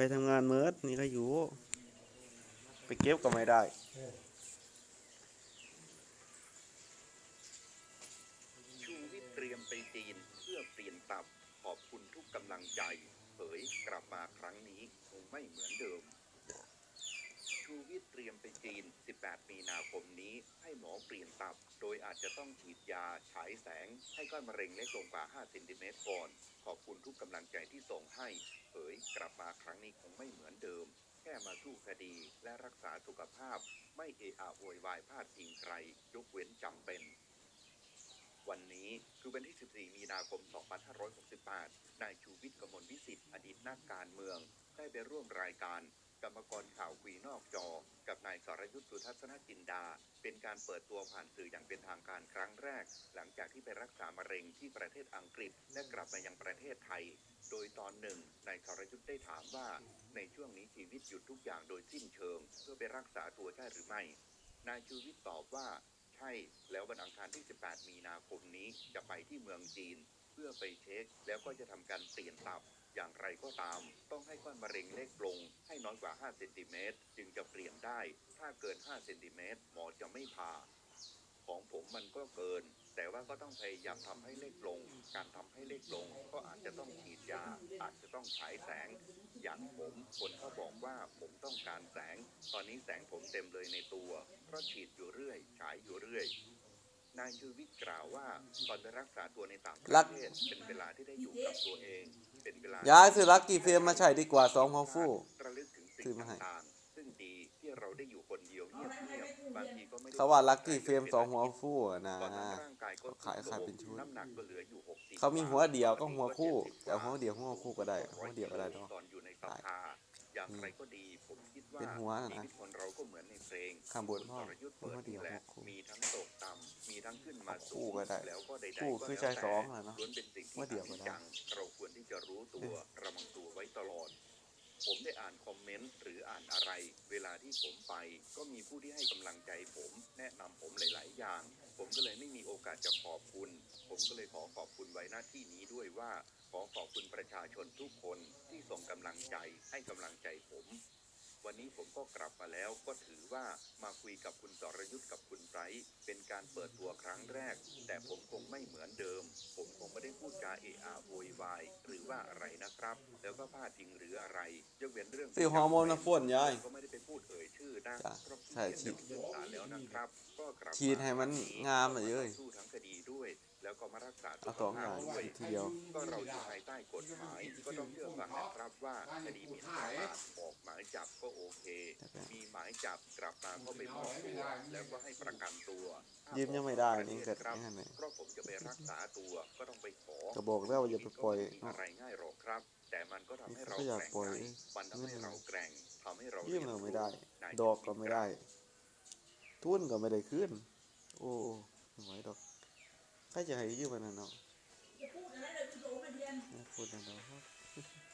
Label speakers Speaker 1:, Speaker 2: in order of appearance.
Speaker 1: ทำงานเมิดนี่ก็อยู่ไปเก็บก็ไม่ได้
Speaker 2: ชูวิทย์เตรียมไปจีนเพื่อเปลี่ยนตับขอบคุณทุกกำลังใจเผยกลับมาครั้งนี้คงไม่เหมือนเดิมชูวิทย์เตรียมไปจีน 18 มีนาคมนี้ให้หมอเปลี่ยนตับโดยอาจจะต้องฉีดยาฉายแสงให้ก้อนมะเร็งเล็กลงกว่า 5 เซนติเมตรก่อนขอบคุณทุกกำลังใจที่ส่งให้เผยกลับมาครั้งนี้คงไม่เหมือนเดิมแค่มาสู้คดีและรักษาสุขภาพไม่เอะอะโวยวายพาดพิงใครยกเว้นจำเป็นวันนี้คือวันที่ 14 มีนาคม 2568 นายชูวิทย์ กมลวิสิทธิ์อดีตนักการเมืองได้ไปร่วมรายการกรรมกรข่าวคุยนอกจอกับนายสรยุทธ สุทัศนจินดาเป็นการเปิดตัวผ่านสื่ออย่างเป็นทางการครั้งแรกหลังจากที่ไปรักษามะเร็งที่ประเทศอังกฤษและกลับมายังประเทศไทยโดยตอนหนึ่งนายสรยุทธได้ถามว่าในช่วงนี้ชีวิตหยุดทุกอย่างโดยสิ้นเชิงเพื่อไปรักษาตัวใช่หรือไม่นายชูวิทย์ตอบว่าใช่แล้ววันอังคารที่ 18 มีนาคมนี้จะไปที่เมืองจีนเพื่อไปเช็คแล้วก็จะทำการเปลี่ยนตับอย่างไรก็ตามต้องให้ก้อนมะเร็งเล็กลงให้น้อยกว่า 5 เซนติเมตรจึงจะเปลี่ยนได้ถ้าเกิน 5 เซนติเมตรหมอจะไม่ผ่าของผมมันก็เกินแต่ว่าก็ต้องพยายามทำให้เล็กลงการทำให้เล็กลงก็อาจจะต้องฉีดยาอาจจะต้องฉายแสงอย่างผมคนเขาบอกว่าผมต้องการแสงตอนนี้แสงผมเต็มเลยในตัวเพราะฉีดอยู่เรื่อยฉายอยู่เรื่อยนายชูวิทย์กล่าวว่าตอนไปรักษาตัวในต่างประเทศเป็นเวลาที่ได้อยู่กับตัวเองเป็นเวลา
Speaker 1: ย้ายซื้อลักกี้เฟรมมาใช้ดีกว่า2 หัวฟู่
Speaker 2: ระลึกถึงสิ่งต่างๆซึ่งดีที่เราได้อยู่คนเดียวเงียบๆบางทีก็ไม่ได้
Speaker 1: เขาว่าลักกี้เฟรม2 หัวฟู่นะ
Speaker 2: ตอนนั้นร่างกายก็
Speaker 1: ขายเป็นชุด
Speaker 2: น้ำหนักก็เหลืออยู่60
Speaker 1: เขามีหัวเดียวก็หัวคู่แต่หัวเดียวหัวคู่ก็ได้หัวเดียวก็ได้เนาะ
Speaker 2: ตอนอยู่ในสภาอย่างไรก็ดีผมคิดว่า
Speaker 1: เป็นหัวนะ
Speaker 2: ชีวิตคนเราก็เหมือนในเพลง
Speaker 1: ข้างบนพ่อ
Speaker 2: สรยุทธ์เปิดนี่แหละมีทั้งตกต่ำมีทั้งขึ้นมาสู
Speaker 1: คู่
Speaker 2: ง
Speaker 1: ก็ได้
Speaker 2: แล้วก็ใดๆ
Speaker 1: คู่
Speaker 2: ก็
Speaker 1: คือ
Speaker 2: แล้ว
Speaker 1: ใช้
Speaker 2: แต่
Speaker 1: สองแหละเนาะ
Speaker 2: ล้วนเป็นสิ่งที่
Speaker 1: หัวเดียวก็ได้
Speaker 2: จังเราควรที่จะรู้ตัวระวังตัวไว้ตลอดผมได้อ่านคอมเมนต์หรืออ่านอะไรเวลาที่ผมไปก็มีผู้ที่ให้กำลังใจผมแนะนำผมหลายๆอย่างผมก็เลยไม่มีโอกาสจะขอบคุณผมก็เลยขอขอบคุณไว้หน้าที่นี้ด้วยว่าขอขอบคุณประชาชนทุกคนที่ส่งกำลังใจให้กำลังใจผมวันนี้ผมก็กลับมาแล้วก็ถือว่ามาคุยกับคุณสรยุทธ์กับคุณไบรท์เป็นการเปิดตัวครั้งแรกแต่ผมคงไม่เหมือนเดิมผมคงไม่ได้พูดจาเอะอะโวยวายหรือว่าอะไรนะครับแล้วก็พาดพิงหรืออะไรยกเว้นเรื่อง
Speaker 1: ซื้อฮอร์โมนมาพ่นยาย
Speaker 2: ก็ไม่ได้ไปพูดเอ่ยชื่อนะเพราะ
Speaker 1: ใช่ฉีด
Speaker 2: ศาลแล้วนะครับก็กลับ
Speaker 1: ฉีดให้มันงามเลยเอ้ย
Speaker 2: สู้ทั้งคดีด้วยแล้วก็มารักษาสุ
Speaker 1: เอา
Speaker 2: ข
Speaker 1: สองอ
Speaker 2: ภาพ
Speaker 1: ย่าง
Speaker 2: ด้วย
Speaker 1: ทีเดียว
Speaker 2: ก็เราอยู่ภายใต้กฎหมายก็ต้องเชื่อฟังนะครับว่าคดีหมิ่นประมาทออกหมายจับก็โอเค มีหมายจับกลับมาก็ไปมอบตัวแล้วก็ให้ประกันตัว
Speaker 1: ยิ้มยังไม่ได้นี่เกิด
Speaker 2: ครับ
Speaker 1: ยังไง
Speaker 2: เพราะผมจะไปรักษาตัวก็ต้องไปขอ
Speaker 1: ก็บอกแล้วว่าอย่าไปปล่อย
Speaker 2: ก็ไม่มีอะไรง่ายหรอกครับ แต่มันก็ทำให้เรา
Speaker 1: ก็อยาก
Speaker 2: แกร่ง
Speaker 1: ปล่อย
Speaker 2: ใจมันทำให้เราแกร่งทำให้เรา
Speaker 1: ยิ้มเราไม่ได้
Speaker 2: นาย
Speaker 1: ดอกก็ไม่ได้ ทุนก็ไม่ได้ขึ้น โอ้ไม่ไหวดอกใครจะให้ยืมมันน่ะเนาะ
Speaker 3: จะพูดอะไรเลยคุณโสมเทียน
Speaker 1: พูดนั่นเนาะ